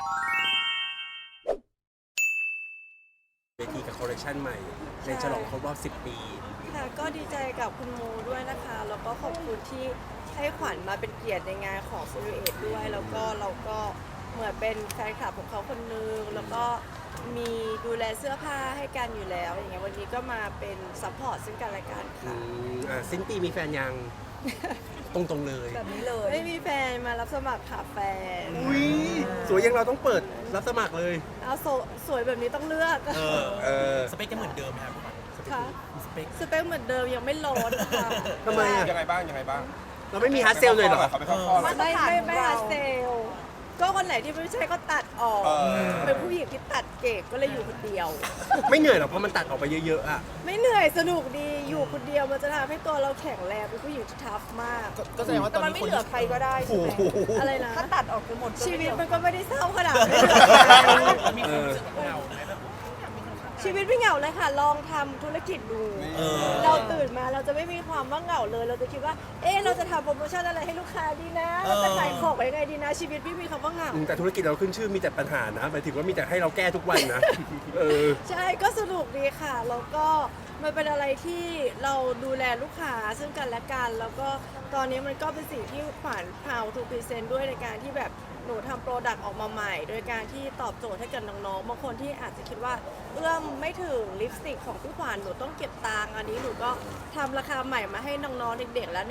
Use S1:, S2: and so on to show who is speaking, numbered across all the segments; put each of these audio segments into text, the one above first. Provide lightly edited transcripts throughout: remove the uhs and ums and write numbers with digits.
S1: เวทีกับคอลเลคชันใหม่ในฉลองครบรอบ10 ปี
S2: ค่ะก็ดีใจกับคุณโมด้วยนะคะแล้วก็ขอบคุณที่ให้ขวัญมาเป็นเกียรติในงานของซูริเอตด้วยแล้วก็เราก็เหมือนเป็นแฟนคลับของเขาคนนึงแล้วก็มีดูแลเสื้อผ้าให้กันอยู่แล้วอย่างเงี้ยวันนี้ก็มาเป็นซัพพอร์ตซึ่งกันและกันค่ะ
S1: สิ้นปีมีแฟนยัง ตรงๆเลย
S3: แบบนี้เลย
S2: ไม่มีแฟนมารับสมัครค่ะแฟน
S1: อุ้ยสวยยังเราต้องเปิดรับสมัครเลย
S2: เอาสวยแบบนี้ต้องเลือก
S4: สเปคจะเหมือนเดิมไหมครับ
S2: ค่ะ
S4: สเปค
S2: สเปคเหมือนเดิมยังไม่ลดค่ะ
S1: ทำไมอ่ะ
S5: ยังไงบ้างยังไงบ้าง
S1: เราไม่มีฮาร์ดเซลเลยเหรอ
S5: เขาไปเข้าข้อเหรอ
S2: ไม่หาเซลลก็คนไหนที่ไม่ใช่ก็ตัดออก เป็นผู้หญิงที่ตัดเก่งก็เลยอยู่คนเดียว
S1: ไม่เหนื่อยหรอกเพราะมันตัดออกไปเยอะๆอ่ะ
S2: ไม่เหนื่อยสนุกดีอยู่คนเดียวมันจะทำให้ตัวเราแข็งแรงเป็นผู้หญิงที่ทัฟมาก
S4: ก็แสดงว่าต
S3: แต่
S4: อน
S3: มัน
S4: นี้
S3: ไม่
S4: คน
S3: เหลือใครก็ได้ใช่ไหม
S2: อะไรนะ
S3: ถ้าตัดออกจะหมดก็
S2: ชี
S3: ไม่
S2: วิต
S3: เหลือ
S2: มันก็ไม่ได้เศร้าขนาดนั้น
S4: มีคนรู้สึกเหงาไหมแบบ
S2: ชีวิตไม่เหงาเลยค่ะ ลองทำธุรกิจดู เราตื่นมาเราจะไม่มีความว่าเหงาเลย เราจะคิดว่า เราจะทำโปรโมชั่นอะไรให้ลูกค้าดีนะเราจะขายของยังไงดีนะ ชีวิตไม่มีคำว่าเหงา
S1: แต่ธุรกิจเราขึ้นชื่อมีแต่ปัญหานะหมายถึงว่ามีแต่ให้เราแก้ทุกวันนะ
S2: ใช่ก็สนุกดีค่ะ แล้วก็มันเป็นอะไรที่เราดูแลลูกค้าซึ่งกันและกัน แล้วก็ตอนนี้มันก็เป็นสิ่งที่ขวัญพาวทูพรีเซนต์ด้วยในการที่แบบหนูทำโปรดักต์ออกมาใหม่ โดยการที่ตอบโจทย์ให้กับน้องๆบางคนที่อาจจะคิดว่าเอื้อมไม่ถึงลิปสติกของพี่ขวัญหนูต้องเก็บตังค์อันนี้หนูก็ทำราคาใหม่มาให้น้องๆเด็กๆแล้ว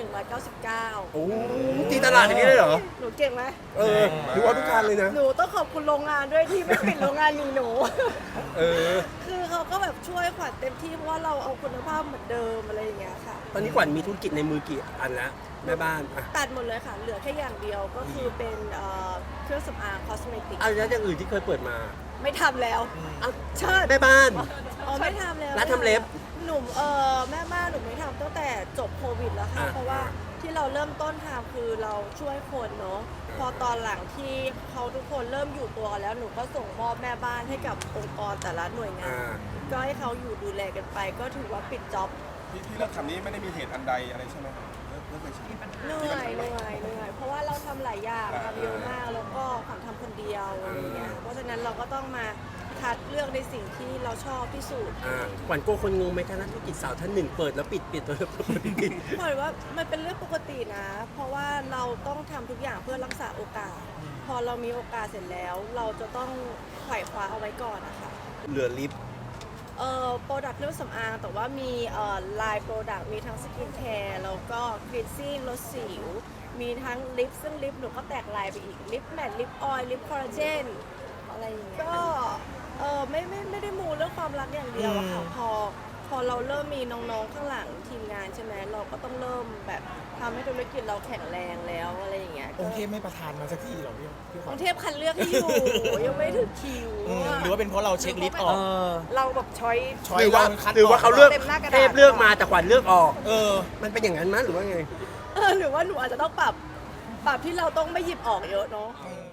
S2: 199
S1: โอ้ตีตลาดอย่างนี้เลยเหรอ
S2: หนูเก่งไหม
S1: หรือว่าทุกการเลยนะ
S2: หนูต้องขอบคุณโรงงานด้วยที่ไม่ปิดโรงงานมีหนู
S1: เออ
S2: คือเขาก็แบบช่วยขวัญเต็มที่เพราะว่าเราเอาคุณภาพเหมือนเดิมอะไรอย่างเงี้ยค่ะ
S1: ตอนนี้ขวัญมีธุรกิจในมือกี่อันแล้วแม่บ้านอ่ะ
S2: ตัดหมดเลยค่ะ เหลือแค่อย่างเดียวก็คือเป็นเครื่องสำอางคอสเมติก
S1: แล้วอย่างอื่นที่เคยเปิดมา
S2: ไม่ทำแล้ว
S1: เอาเชิดแม่บ้าน
S2: อ๋อไม่ทำแล้ว
S1: ร้านทำเล็บ
S2: หนุ่มแม่บ้านหนูไม่ทำตั้งแต่จบโควิดแล้วค่ะ
S1: อ่า
S2: เพราะว่าที่เราเริ่มต้นทำคือเราช่วยคนเนาะพอตอนหลังที่เขาทุกคนเริ่มอยู่ตัวกันแล้วหนูก็ส่งมอบแม่บ้านให้กับองค์กรแต่ละหน่วยงาน ก็ให้เขาอยู่ดูแลกันไป ก็ถือว่าปิดจ็อบ
S5: ที่เลิกทำนี้ไม่ได้มีเหตุอันใดอะไรใช่ไหมเลิกเลยใช่ไหม
S2: เหนื่อยเพราะว่าเราทำหลายอย่างทำเยอะมากแล้วก็ขวัญทำคนเดียวอะไรอย่างเงี้ยเพราะฉะนั้นเราก็ต้องมาคัดเลือกในสิ่งที่เราชอบที่สุด
S1: ขวัญโกลัวคนงงไหมคะนักธุรกิจสาวท่านหนึ่งเปิดแล้วปิดเปิดแล้วปิด
S2: ขวัญว่ามันเป็นเรื่องปกตินะ เพราะว่าเราต้องทำทุกอย่างเพื่อรักษาโอกาส พอเรามีโอกาสเสร็จแล้ว เราจะต้องไขว่คว้าเอาไว้ก่อนนะคะ
S1: เหลือลิฟต์
S2: โปรดักต์เครื่องสำอางแต่ว่ามีลายโปรดักต์มีทั้งสกินแคร์แล้วก็คลีนซิ่งลดสิว มีทั้งลิปซึ่งลิปหนูก็แตกลายไปอีกลิปแมทลิปออยล์ลิปคอลลาเจนอะไรอย่างเงี้ยก็ไม่ได้มูเรื่องความรักอย่างเดียวอะค่ะพอเราเริ่มมีน้องๆข้างหลังทีมงานใช่ไหมเราก็ต้องเริ่มแบบทำให้ธุรกิจเราแข็งแรงแล้วอะไรอย่างเงี้ย
S4: องค์เทพไม่ประทานมาสักทีหรอพี่ข
S2: ก
S4: วั
S2: รุ
S4: ญ
S2: งเทพคันเลือกให้อยู่ ยังไม่ถึงคิว
S4: หรือว่าเป็นเพราะเราเช็คลิสต์ออก
S3: เราแบบช้อย
S4: ช้อ
S1: ห
S4: ย
S1: รือว่า
S4: มันคัด
S1: หรือว่าเขาเลือก
S3: เต็มหน้ากระดาษ
S1: เทพเลือกมาแต่ขวัญเลือกออก
S4: เออ
S1: มันเป็นอย่างนั้นมั้ยหรือว่าไง
S2: หรือว่าหนูอาจจะต้องปรับที่เราต้องไม่หยิบออกเยอะเนาะ
S4: อืม